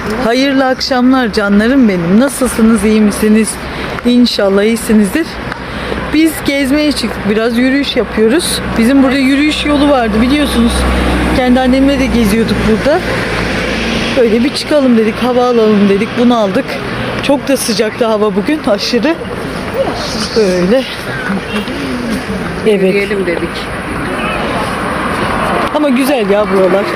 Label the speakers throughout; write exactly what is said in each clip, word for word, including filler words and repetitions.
Speaker 1: Hayırlı akşamlar canlarım benim. Nasılsınız, iyi misiniz? İnşallah iyisinizdir. Biz gezmeye çıktık. Biraz yürüyüş yapıyoruz. Bizim burada yürüyüş yolu vardı biliyorsunuz. Kendi annemle de geziyorduk burada. Böyle bir çıkalım dedik, hava alalım dedik. Bunu aldık. Çok da sıcaktı hava bugün, aşırı. Böyle. Evet.
Speaker 2: Yürüyelim dedik.
Speaker 1: Ama güzel ya buralar.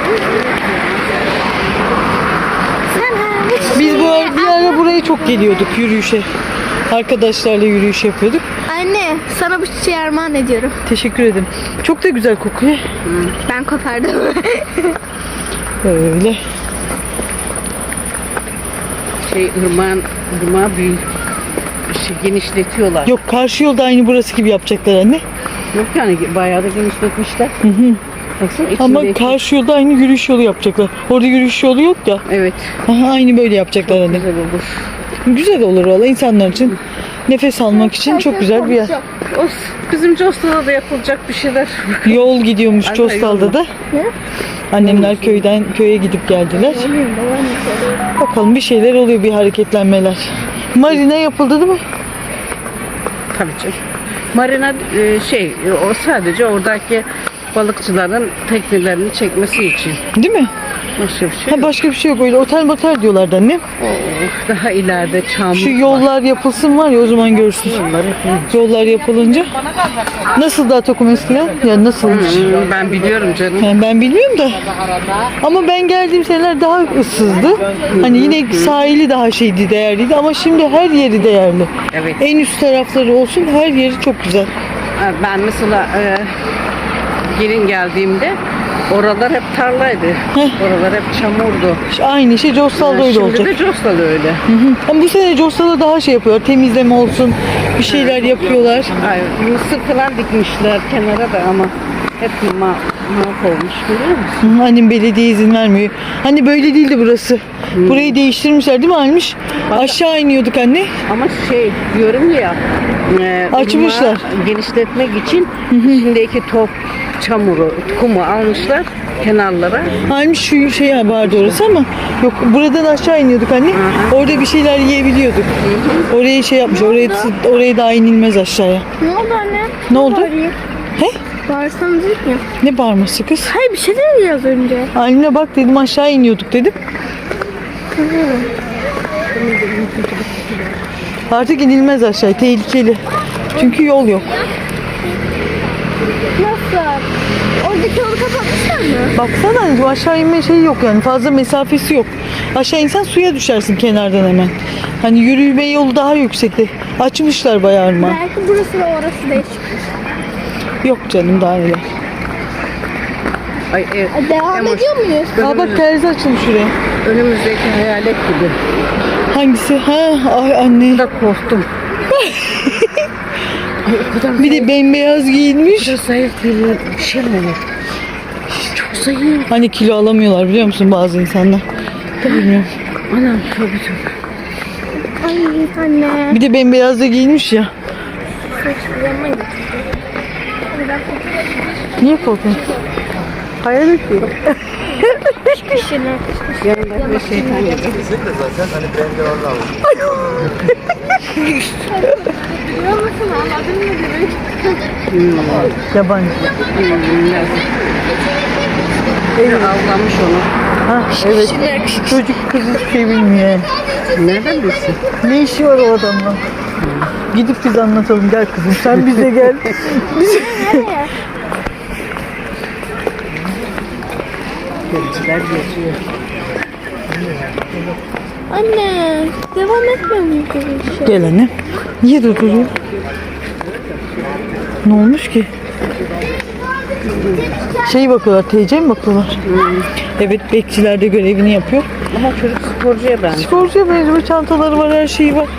Speaker 1: Biz bu ara, bir ara buraya çok geliyorduk yürüyüşe. Arkadaşlarla yürüyüş yapıyorduk.
Speaker 3: Anne, sana bu çiçeği armağan ediyorum.
Speaker 1: Teşekkür ederim. Çok da güzel kokuyor.
Speaker 3: Ben kopardım.
Speaker 1: Böyle.
Speaker 2: Şey ırmağın, ırmağı büyük. Şey, genişletiyorlar.
Speaker 1: Yok, karşı yolda aynı burası gibi yapacaklar anne.
Speaker 2: Yok yani bayağı da genişletmişler. Hı hı. Baksana
Speaker 1: Ama
Speaker 2: içindeki-
Speaker 1: karşı yolda aynı yürüyüş yolu yapacaklar. Orada yürüyüş yolu yok ya.
Speaker 2: Evet.
Speaker 1: Aha, aynı böyle yapacaklar anne.
Speaker 2: Güzel olur.
Speaker 1: Güzel olur valla insanlar için. Nefes almak için çok güzel bir yer.
Speaker 2: O, bizim Costa'da da yapılacak bir şeyler.
Speaker 1: Yol gidiyormuş
Speaker 2: Ay,
Speaker 1: Costal'da da. Annemler köyden köye gidip geldiler. Bakalım bir şeyler oluyor, bir hareketlenmeler. Marina yapıldı değil mi?
Speaker 2: Tabii canım. Marina e, şey o sadece oradaki balıkçıların teknelerini çekmesi için.
Speaker 1: Değil mi?
Speaker 2: Başka bir şey
Speaker 1: Ha,
Speaker 2: yok.
Speaker 1: başka bir şey yok, öyle otel motel diyorlardı annem.
Speaker 2: Oh, daha ileride çamur
Speaker 1: Şu
Speaker 2: var.
Speaker 1: yollar yapılsın var ya, o zaman görürsün. Yollar yapılınca. Nasıl daha Tokum eskiden? Ya nasılmış?
Speaker 2: Hmm, ben biliyorum canım.
Speaker 1: Yani ben bilmiyorum da. Ama ben geldiğim seneler daha ıssızdı. Hani yine sahili daha şeydi, değerliydi ama şimdi her yeri değerli.
Speaker 2: Evet.
Speaker 1: En üst tarafları olsun, her yeri çok güzel.
Speaker 2: Ha, ben mesela e, gelin geldiğimde oralar hep tarlaydı. Oralar hep çamurdu.
Speaker 1: İşte aynı şey Costal'da öyle
Speaker 2: Şimdi
Speaker 1: olacak.
Speaker 2: de Costa'da öyle.
Speaker 1: Hı hı. Ama bu sene Costal'da daha şey yapıyorlar. Temizleme olsun, bir şeyler yapıyorlar.
Speaker 2: Ay, mısır falan dikmişler kenara da ama hep ma mahvolmuş görüyor musun?
Speaker 1: Hı, annem belediye izin vermiyor. Hani böyle değildi burası. Burayı değiştirmişler değil mi Almış? Aşağı iniyorduk anne.
Speaker 2: Ama şey diyorum ya e,
Speaker 1: Açmışlar.
Speaker 2: ırmağı genişletmek için içindeki top çamuru, kumu almışlar kenarlara.
Speaker 1: Almış şu şey vardı orası ama yok, buradan aşağı iniyorduk anne. Orada bir şeyler yiyebiliyorduk. Oraya şey yapmış. Oraya oraya daha inilmez aşağıya.
Speaker 3: Ne oldu anne?
Speaker 1: Ne oldu?
Speaker 3: Bağırayım.
Speaker 1: He?
Speaker 3: Bağırsanız dedik mi?
Speaker 1: Ne bağırması kız?
Speaker 3: Hayır, bir şey dedi ya az önce.
Speaker 1: Haline bak dedim, aşağı iniyorduk dedim. Artık inilmez aşağı, tehlikeli. Çünkü yol yok.
Speaker 3: Nasıl? Oradaki yolu kapatmışlar mı?
Speaker 1: Baksana anneciğim, aşağı inme şeyi yok yani, fazla mesafesi yok. Aşağı insen suya düşersin kenardan hemen. Hani yürüme yolu daha yüksekte. Açmışlar bayağı ırmağı.
Speaker 3: Belki burası ve orası değişik.
Speaker 1: Yok canım, daha neler.
Speaker 2: Ay, e,
Speaker 3: E, Devam
Speaker 2: Emoş,
Speaker 3: ediyor muyuz?
Speaker 1: Aa bak, terzi açılmış şuraya.
Speaker 2: önümüzdeki hayalet gibi.
Speaker 1: Hangisi? Ha, ay anne.
Speaker 2: Da korktum. Ay, o kadar
Speaker 1: Bir de bembeyaz giyinmiş.
Speaker 2: zayıf, zayıf bir, bir şey mi olur? Çok zayıf.
Speaker 1: Hani kilo alamıyorlar biliyor musun bazı insanlar? Bilmiyorum.
Speaker 2: Anam tövbe tövbe.
Speaker 3: Ay anne.
Speaker 1: Bir de bembeyaz da giyinmiş ya.
Speaker 3: Yanıma git.
Speaker 1: Niye korkuyorsun? Hayalet diyor.
Speaker 3: Kişine.
Speaker 2: Yanında bir şeytan gibi.
Speaker 4: Kesinlikle zaten hani ben de orada aldım.
Speaker 3: Biliyor musun? Anladın mı demek?
Speaker 1: Yabancı.
Speaker 2: Bilmem. Evet. Avlanmış onu.
Speaker 1: Ha evet. Çocuk kız hiçbir şey bilmiyor.
Speaker 2: Nereden bilsin?
Speaker 1: Ne işi var o adamla? Gidip biz anlatalım, gel kızım sen bize gel. Biz...
Speaker 2: Geliciler geçiyor.
Speaker 3: Anne, devam etmiyor muyuz bir şey?
Speaker 1: Gel anne. Niye durduruyor? Ne olmuş ki? Şey bakıyorlar, T C mi bakıyorlar? Evet, bekçiler de görevini yapıyor.
Speaker 2: Ama çocuk sporcuya ben.
Speaker 1: Sporcuya benziyor, çantaları var, her şeyi var.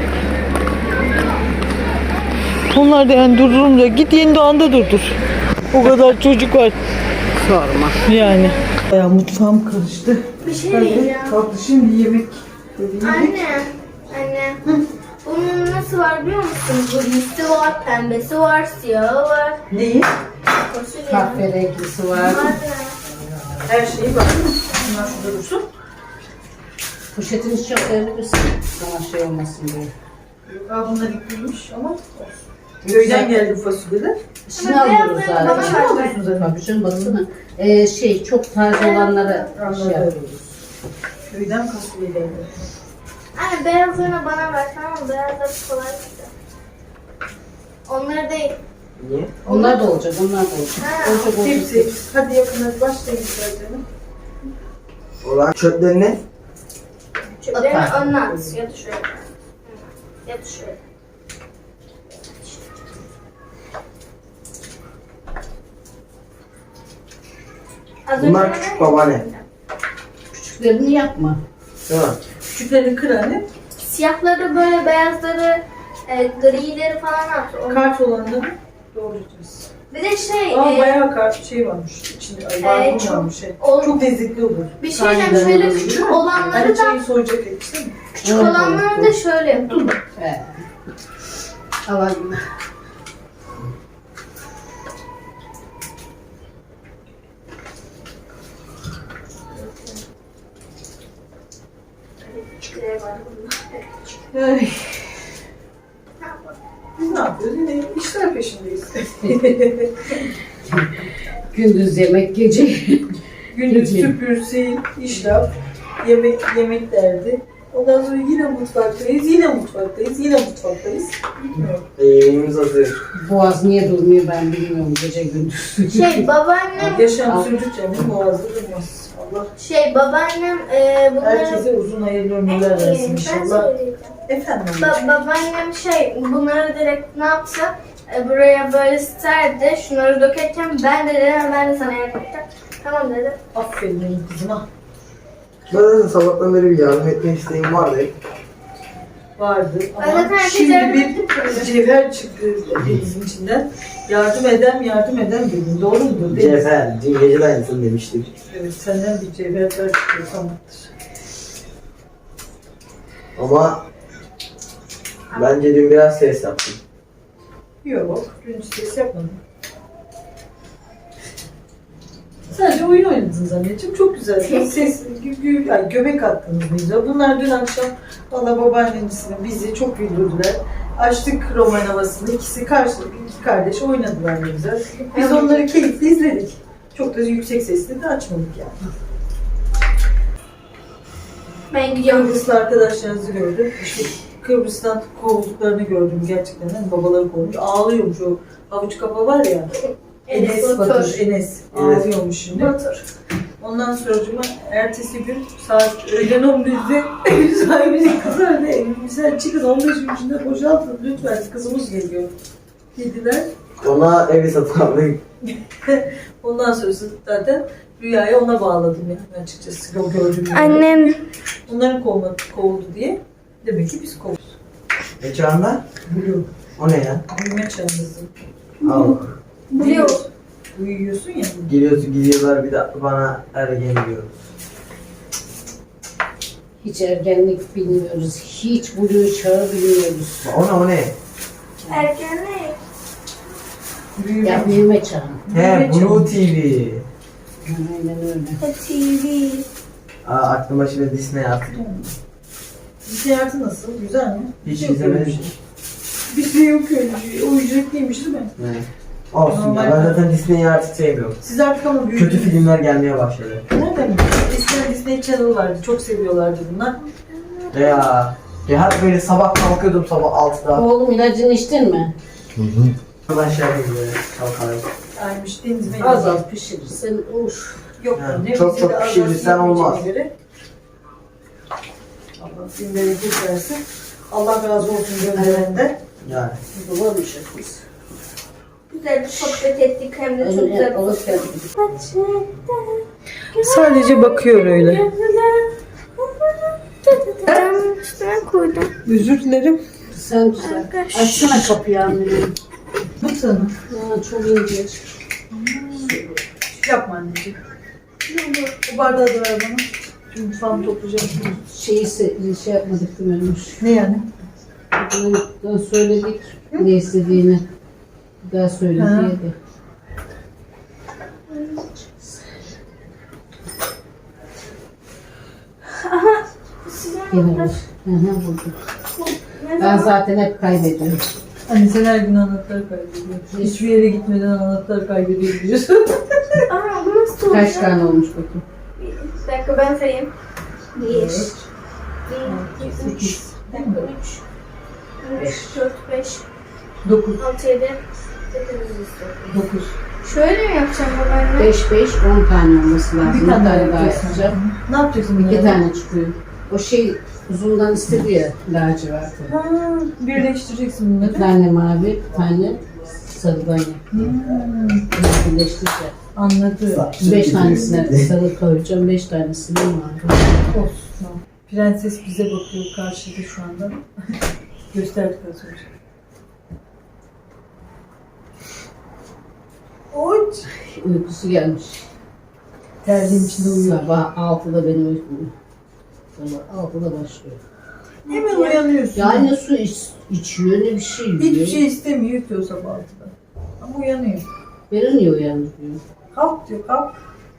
Speaker 1: Onlar da yani durdurunca git yeni doğanda durdur. O kadar çocuk var
Speaker 2: Sorma.
Speaker 1: yani. Ya mutfağım karıştı.
Speaker 3: Bir şey diyeceğim.
Speaker 1: Kalktı şimdi yemek.
Speaker 3: Anne, anne. Bunun nasıl var biliyor musun? Grimsi var, pembesi var, siyahı var.
Speaker 1: Neyi?
Speaker 3: Fasulye.
Speaker 2: Kahverenglisi var.
Speaker 3: Var.
Speaker 1: Her şeyi var. Nasıl durursun?
Speaker 2: Poşetini çok verebilirsin. Sana şey olmasın diye.
Speaker 1: Aa, bunlar ikliymiş ama olsun. Köyden geldi fasulyeler.
Speaker 2: İçine alıyoruz
Speaker 3: beyazlarını bana
Speaker 2: zaten.
Speaker 3: ver.
Speaker 1: Alıyorsun zaten.
Speaker 2: Tabii canım baksana. Ee, şey çok taze olanları şey
Speaker 1: Anladım.
Speaker 2: yapıyoruz.
Speaker 1: Köyden fasulye geldi.
Speaker 3: Anne beyazlarını bana ver tamam mı? Beyazları kolay gitti. Onları değil.
Speaker 4: Niye?
Speaker 2: Onlar da olacak, onlar da olacak.
Speaker 3: Ha,
Speaker 2: Olacak, olacak.
Speaker 1: Hepsi. Hadi yakın hadi başlayın isterseniz.
Speaker 4: Olan çöpleri ne?
Speaker 3: Çöplerini
Speaker 2: Atar.
Speaker 3: önüne at. Ya da şöyle. Ya da şöyle. Az
Speaker 4: Bunlar
Speaker 3: önce
Speaker 4: küçük
Speaker 3: ne-
Speaker 4: babaanne.
Speaker 2: Küçüklerini yapma.
Speaker 4: Değil mi?
Speaker 1: Küçüklerini kır anne.
Speaker 3: Siyahları böyle beyazları, e, grileri falan at. Onu-
Speaker 1: Kart olanları doğrayacağız.
Speaker 3: Bir de şey,
Speaker 1: Aa
Speaker 3: e,
Speaker 1: bayağı kart şey varmış. İçinde ay, barbun
Speaker 3: çok-
Speaker 1: varmış. Şey.
Speaker 3: o-
Speaker 1: Çok lezzetli olur.
Speaker 3: bir şey diyeceğim
Speaker 1: Taneden
Speaker 3: şöyle
Speaker 1: olur,
Speaker 3: küçük
Speaker 1: değil mi?
Speaker 3: olanları
Speaker 1: Hani
Speaker 3: da
Speaker 1: çayı soyacak et değil mi?
Speaker 3: küçük olanları da şöyle yapın.
Speaker 2: He. Alayım.
Speaker 3: Küçükleri var bunlar.
Speaker 1: Ay. Biz ne yapıyoruz? Yine işler peşindeyiz.
Speaker 2: Gündüz yemek, gece.
Speaker 1: Gündüz
Speaker 2: Gece.
Speaker 1: süpür, sil, işlap, yemek yemek derdi. Ondan sonra yine mutfaktayız, yine mutfaktayız, yine mutfaktayız. Bitmiyor.
Speaker 4: E, yemeğimiz hazır.
Speaker 2: Boğaz niye durmuyor ben bilmiyorum gece gündüz.
Speaker 3: Şey babaannem,
Speaker 1: Yaşam
Speaker 2: Al.
Speaker 1: sürdükçe benim boğazda durmaz. Allah
Speaker 3: şey babaannem e, bunları...
Speaker 1: herkese uzun hayırlı ömürler versin
Speaker 3: Ben
Speaker 1: inşallah.
Speaker 3: söyleyeceğim.
Speaker 1: Efendim.
Speaker 3: Ba- babaannem şey bunları direkt ne yapsa e, buraya böyle serdi. Şunları dökerken ben de dedim ben de sana yardım edeceğim. Tamam dedi.
Speaker 1: Aferin benim kızıma.
Speaker 4: Ben zaten sabahtan beri bir yardım etme isteğim vardı.
Speaker 1: Vardı
Speaker 3: Ben zaten
Speaker 1: ama
Speaker 3: herkes
Speaker 1: şimdi
Speaker 3: yardım
Speaker 1: bir
Speaker 3: ettim.
Speaker 1: cevher çıktı denizin içinden. Yardım eden yardım eden dedim. Doğru mudur? Deniz?
Speaker 4: Cevher, dün gece de aynısını demiştik.
Speaker 1: Evet, senden bir cevherler çıkıyor sanmaktır.
Speaker 4: Ama bence dün biraz ses yaptım.
Speaker 1: Yok, dün ses yapmadım. Sadece oyun oynadınız anneciğim. Çok güzel. Ses, gü, gü, yani göbek attınız bize. Bunlar dün akşam valla babaannemizle bizi çok güldürdüler. Açtık roman havasını. İkisi karşılıklı iki kardeş oynadılar ne güzel. Biz onları keyifle izledik. Çok da yüksek sesle de açmadık yani.
Speaker 3: Ben gidiyorum.
Speaker 1: Kıbrıslı arkadaşlarınızı gördüm. İşte Kıbrıs'tan kovulduklarını gördüm gerçekten. Yani babaları kovmuş. Ağlıyormuş o havuç kafa var ya. Enes
Speaker 3: Enes
Speaker 1: Batur,
Speaker 3: Batur.
Speaker 1: Enes.
Speaker 4: Evet.
Speaker 1: Ağlıyormuş şimdi.
Speaker 3: Batur.
Speaker 1: Ondan sonra ertesi gün saat öğlen on birde ev sahibinin kızı öyle evimizden çıkın on beş gün içinde boşaltın lütfen kızımız geliyor dediler.
Speaker 4: Ona evi satın aldık.
Speaker 1: Ondan sonrası zaten rüyayı ona bağladım yani açıkçası o gördüğüm gibi.
Speaker 3: Annem
Speaker 1: Onların kovmadı, kovuldu diye. Demek ki biz kovduk.
Speaker 4: Ne çağında?
Speaker 1: Blue.
Speaker 4: O ne ya?
Speaker 1: Büyüme çağındasın.
Speaker 4: Al.
Speaker 3: biliyor.
Speaker 1: Uyuyorsun ya.
Speaker 4: Geliyorsun gidiyorlar bir de bana ergen diyor.
Speaker 2: Hiç ergenlik bilmiyoruz. Hiç blue çağı bilmiyoruz.
Speaker 4: O ne o ne?
Speaker 3: Erken ne?
Speaker 1: Büyüme.
Speaker 2: Ya büyüme çağı.
Speaker 4: He Blue T V.
Speaker 2: Aynen öyle.
Speaker 3: T V.
Speaker 4: Aa, aklıma şimdi Disney attı.
Speaker 1: Hissiyatı nasıl? Güzel mi?
Speaker 4: Hiç
Speaker 1: Yok öyle bir
Speaker 4: izlemedim.
Speaker 1: şey. Bir şey yok öyle bir şey. O ücretliymiş değil mi?
Speaker 4: Ne? Olsun
Speaker 1: Normal.
Speaker 4: ya ben zaten Disney'i artık sevmiyorum.
Speaker 1: Siz artık ama büyüdünüz.
Speaker 4: Kötü filmler gelmeye başladı.
Speaker 1: Nereden mi? Eskiden Disney Channel vardı. Çok seviyorlardı bunlar.
Speaker 4: Ya. Ya hep böyle sabah kalkıyordum sabah altıda.
Speaker 2: Oğlum ilacını içtin mi?
Speaker 4: Aşağı böyle kalkarım.
Speaker 1: Aymış Deniz Bey.
Speaker 2: Az az pişirirsen uf.
Speaker 1: Yok
Speaker 4: Ha,
Speaker 1: anne.
Speaker 4: çok
Speaker 1: bize
Speaker 4: çok
Speaker 1: de az az
Speaker 4: pişirirsen
Speaker 1: yapabileceğine
Speaker 4: olmaz.
Speaker 1: göre. Allah bin bereket versin. Allah razı olsun gönderenden.
Speaker 4: Yani.
Speaker 2: Bulamamışız biz.
Speaker 3: Güzel bir sohbet ettik hem de çok
Speaker 2: Öyle
Speaker 3: güzel.
Speaker 2: alıp geldik.
Speaker 1: Sadece bakıyor öyle.
Speaker 3: Ben üstüne koydum.
Speaker 1: Özür dilerim.
Speaker 2: Sen güzel. Açsana kapıyı annem.
Speaker 1: Bu sana.
Speaker 2: Ya çok ince.
Speaker 1: Yapma anneciğim. Bu bardağı da ver bana. Şimdi mutfağımı toplayacağım.
Speaker 2: Şeyi se- şey yapmadık değil mi Ömür?
Speaker 1: Ne yani?
Speaker 2: Daha söyledik ne istediğini. Bir daha söyle
Speaker 1: Ha.
Speaker 2: diye de.
Speaker 3: Sizin
Speaker 2: Gene
Speaker 3: anahtar.
Speaker 2: var. Hı hı, buldum.
Speaker 3: Ne
Speaker 2: Ben
Speaker 3: zaman?
Speaker 2: zaten hep kaybediyorum.
Speaker 1: Hani sen her gün anahtar kaybediyorsun. Hiçbir yere gitmeden anahtar kaybediyorsun.
Speaker 3: Aa bu nasıl olacak?
Speaker 2: Kaç tane olmuş bakayım?
Speaker 3: Bir dakika ben sayayım. Bir.
Speaker 1: Evet.
Speaker 3: Bir, iki, üç.
Speaker 1: sekiz.
Speaker 3: Bir dakika üç. Üç, dört, beş,
Speaker 1: dokuz.
Speaker 3: altı, yedi. sekiz.
Speaker 1: dokuz.
Speaker 3: Şöyle mi yapacağım babaanne?
Speaker 2: beş beş on tane olması lazım.
Speaker 1: Bir tane daha
Speaker 2: daha
Speaker 1: yapacaksın.
Speaker 2: yapacağım.
Speaker 1: Ne yapacaksın
Speaker 2: İki
Speaker 1: bunları?
Speaker 2: tane çıkıyor. O şey uzundan istedi ya laciverti.
Speaker 1: Ha, birleştireceksin bunları.
Speaker 2: Bir tane mavi, bir tane sarıdan yap.
Speaker 1: Hmm,
Speaker 2: Birleştireceğim.
Speaker 1: anladım.
Speaker 2: Beş tanesine sarı koyacağım, beş tanesine mavi.
Speaker 1: Olsun. Prenses bize bakıyor karşıda şu anda. Gösterdik az önce. Oç.
Speaker 2: Uykusu gelmiş.
Speaker 1: Terliğin içinde uyuyor.
Speaker 2: Sabah altıda benim uykum. Sabah altıda başlıyor.
Speaker 1: Hemen uyanıyorsun.
Speaker 2: Ya ne su iç, içiyor ne bir şey yiyor.
Speaker 1: Hiçbir şey istemiyor ki o sabah altıda. Ama uyanıyor.
Speaker 2: Beni niye uyandırıyor?
Speaker 1: Kalk diyor, kalk.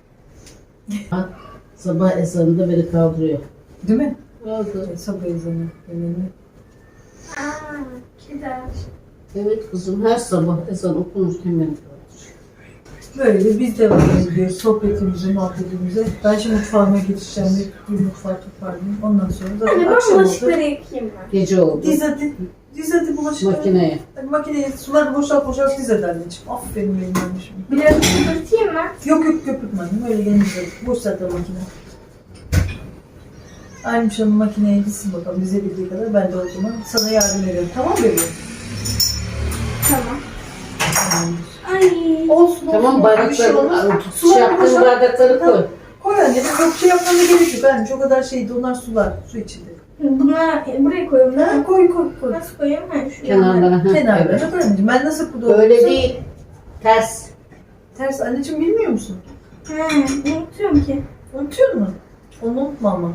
Speaker 2: Sabah ezanında beni kaldırıyor.
Speaker 1: Değil mi?
Speaker 2: Oldu.
Speaker 1: E, sabah ezanı. Önemli.
Speaker 3: Aa, gider.
Speaker 2: Evet kızım her sabah ezan okunurken beni kaldırıyor.
Speaker 1: Böyle biz devam ediyoruz sohbetimize, muhabbetimize. Ben şimdi mutfağıma geçeceğim. Bir, bir mutfağı toparlayayım. Ondan sonra zaten
Speaker 3: Anne ben
Speaker 1: akşam
Speaker 3: bulaşıkları
Speaker 1: oldu.
Speaker 3: yıkayayım ben.
Speaker 2: Gece oldu.
Speaker 1: Diz hadi. Diz hadi bulaşıkları.
Speaker 2: Makineye.
Speaker 1: Hadi makineye suları boşalt boşalt diz hadi anneciğim. Aferin benim anneciğim.
Speaker 3: Biraz köpürteyim mi?
Speaker 1: Yok yok köpürtme annem. Öyle gelince boşalt da makine. Aynı Hanım makineye dizsin bakalım bize bildiği kadar. Ben de o zaman sana yardım ediyorum. Tamam mı bebeğim?
Speaker 3: Tamam.
Speaker 1: Tamamdır.
Speaker 3: Ay.
Speaker 1: Olsun
Speaker 2: Tamam
Speaker 1: olsun. Bir şey olmaz.
Speaker 2: bardakları, şey
Speaker 1: Suları
Speaker 2: yaptığın
Speaker 1: boşalt.
Speaker 2: bardakları koy.
Speaker 1: Koy anne. Yok şey yapmana gerek yok anne. Çok kadar şeydi. Onlar sular. Su içinde.
Speaker 3: Bunlar buraya koyuyorum değil mi?
Speaker 1: Koy koy koy.
Speaker 3: Nasıl koyayım? Ha, şuraya.
Speaker 2: Kenarlara. ha,
Speaker 1: Kenarda.
Speaker 2: evet.
Speaker 1: Çok anneciğim. Ben nasıl burada
Speaker 2: Öyle
Speaker 1: otursam-
Speaker 2: değil. Ters.
Speaker 1: Ters anneciğim bilmiyor musun?
Speaker 3: Ha, unutuyorum ki.
Speaker 1: Unutuyor musun? Onu unutma ama.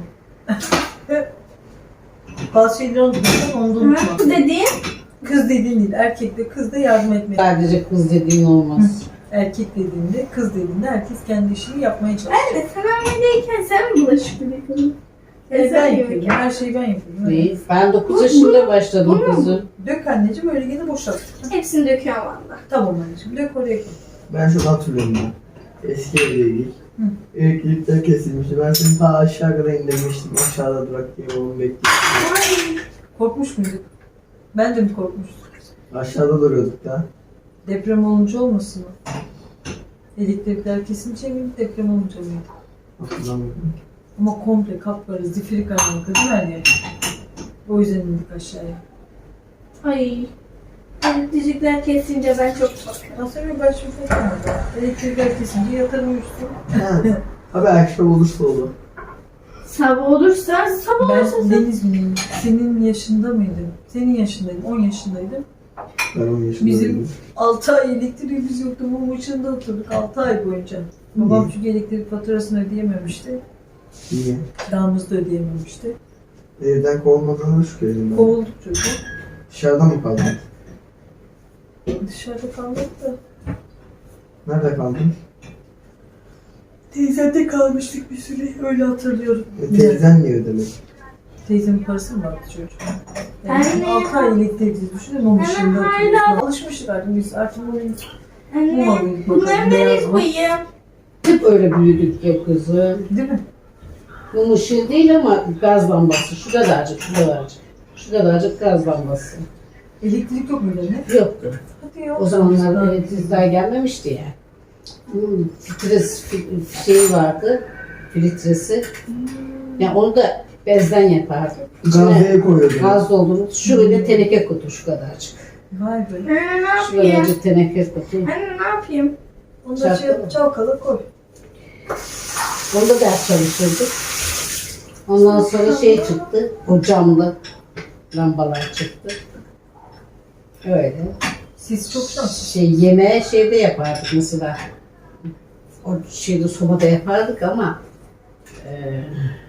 Speaker 1: Bazı şeyleri unutuyorsan onu da unutma.
Speaker 3: Ha, bu dediğin?
Speaker 1: Kız dediğin değil. Erkek de kız da yardım etmeli.
Speaker 2: Sadece kız dediğin olmaz.
Speaker 1: Erkek dediğinde, kız dediğinde herkes kendi işini yapmaya çalışıyor.
Speaker 3: Anne sen hamileyken sen mi bulaşık yıkadın?
Speaker 1: Evet, ben yapıyorum. Her şeyi ben yapıyorum. Evet.
Speaker 2: Değil. Ben dokuz yaşında başladım kızım.
Speaker 1: Dök anneciğim öyle gene boşalt.
Speaker 3: Hepsini döküyorum valla.
Speaker 1: Tamam anneciğim dök oraya koy.
Speaker 4: Ben şunu hatırlıyorum ben. Eski evdeydik.
Speaker 1: Hı.
Speaker 4: Elektrikler kesilmişti. Ben seni ta aşağı kadar indirmiştim. Aşağıda durak diye oğlum bekliyor.
Speaker 3: Ay.
Speaker 1: Korkmuş muyduk? Ben de mi korkmuştum?
Speaker 4: Aşağıda duruyorduk da.
Speaker 1: Deprem olunca olmasın mı? Elektrikler kesince miydi, deprem olunca mıydı?
Speaker 4: Hatırlamıyorum.
Speaker 1: Ama komple kapları, zifiri karanlık değil mi her yer? O yüzden indik aşağıya.
Speaker 3: Ay. Elektrikler kesince ben çok korkuyorum.
Speaker 1: Nasıl bir ben şimdi korkmadım. Elektrikler kesince yatarım uyuştum.
Speaker 4: Ha. Abi akşam olursa olur.
Speaker 3: Sabah olursa, sabah olursa
Speaker 1: Ben Deniz miyim? Senin yaşında mıydım? Senin yaşındaydım, on yaşındaydım.
Speaker 4: Ben on yaşındaydım.
Speaker 1: Bizim altı ay elektriğimiz yoktu. Mum ışığında oturduk altı ay boyunca. Babam
Speaker 4: Niye?
Speaker 1: çünkü elektrik faturasını ödeyememişti.
Speaker 4: Niye?
Speaker 1: Kiramızı da ödeyememişti.
Speaker 4: Evden kovulmadığını şükredin ben.
Speaker 1: Kovulduk çocuğu.
Speaker 4: Dışarıda mı kaldın?
Speaker 1: Dışarıda kaldık da.
Speaker 4: Nerede kaldın?
Speaker 1: Teyzemde kalmıştık bir süre. Öyle hatırlıyorum.
Speaker 4: E, teyzen niye ödemedi?
Speaker 1: Teyzemin parası mı vardı çocuğum?
Speaker 3: Anne.
Speaker 1: Yani altı ay elektriksiz düşünün. Mum
Speaker 3: Hemen
Speaker 1: ışığında
Speaker 3: hala-
Speaker 1: oturuyoruz. Alışmıştık artık biz. Artık mum Mum
Speaker 3: Anne,
Speaker 1: alayım
Speaker 3: bunları
Speaker 1: bakalım,
Speaker 3: nereye
Speaker 1: beyaz mı?
Speaker 3: koyayım?
Speaker 2: Hep öyle büyüdük ya kızım.
Speaker 1: değil mi?
Speaker 2: Mum ışığı değil ama gaz lambası. Şu kadarcık, şu kadarcık. Şu kadarcık gaz lambası.
Speaker 1: Elektrik yok muydu anne?
Speaker 2: Yoktu.
Speaker 1: Hadi ya.
Speaker 2: O zamanlar elektrikler gelmemişti ya. Hmm, Filtres fi- şeyi vardı. Filtresi. Yani onu da bezden yapardı.
Speaker 4: Gazeye koyuyordun.
Speaker 2: Gaz doldurmuş. Şöyle teneke kutu şu kadarcık.
Speaker 1: Vay be.
Speaker 3: Anne ne
Speaker 2: Şu
Speaker 3: yapayım?
Speaker 2: kadarcık teneke kutu.
Speaker 3: Anne ne yapayım?
Speaker 1: Onu da
Speaker 2: Çarptı
Speaker 1: şey,
Speaker 2: mı?
Speaker 1: çalkala koy.
Speaker 2: Onda ders çalışırdık. Ondan sonra şey çıktı. O camlı lambalar çıktı. Öyle.
Speaker 1: Siz çok şanslısınız.
Speaker 2: Şey yemeğe şeyde yapardık mesela. O şeyde sobada yapardık ama e,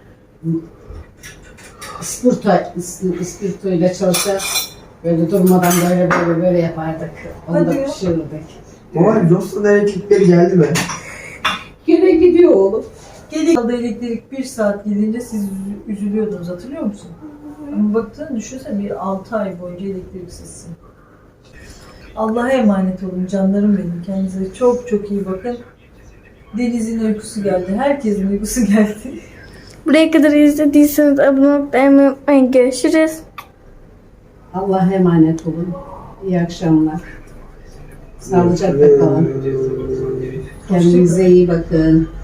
Speaker 2: ispurta, ispurto ile çalışarak böyle durmadan böyle böyle böyle yapardık. Onu
Speaker 1: Hadi
Speaker 2: da
Speaker 1: ya.
Speaker 2: pişirirdik.
Speaker 4: Baba Josta'nın elektrikleri geldi mi?
Speaker 2: Yine gidiyor oğlum.
Speaker 1: Geri kaldı elektrik bir saat gidince siz üzü- üzülüyordunuz hatırlıyor musun? Ama baktığını düşünsene bir altı ay boyunca elektriksizsin. Allah'a emanet olun canlarım benim. Kendinize çok çok iyi bakın. Deniz'in uykusu geldi. Herkesin uykusu geldi.
Speaker 3: Buraya kadar izlediyseniz abone olup beğenmeyi unutmayın. Görüşürüz.
Speaker 2: Allah'a emanet olun. İyi akşamlar. Sağlıcakla kalın. Kendinize iyi bakın.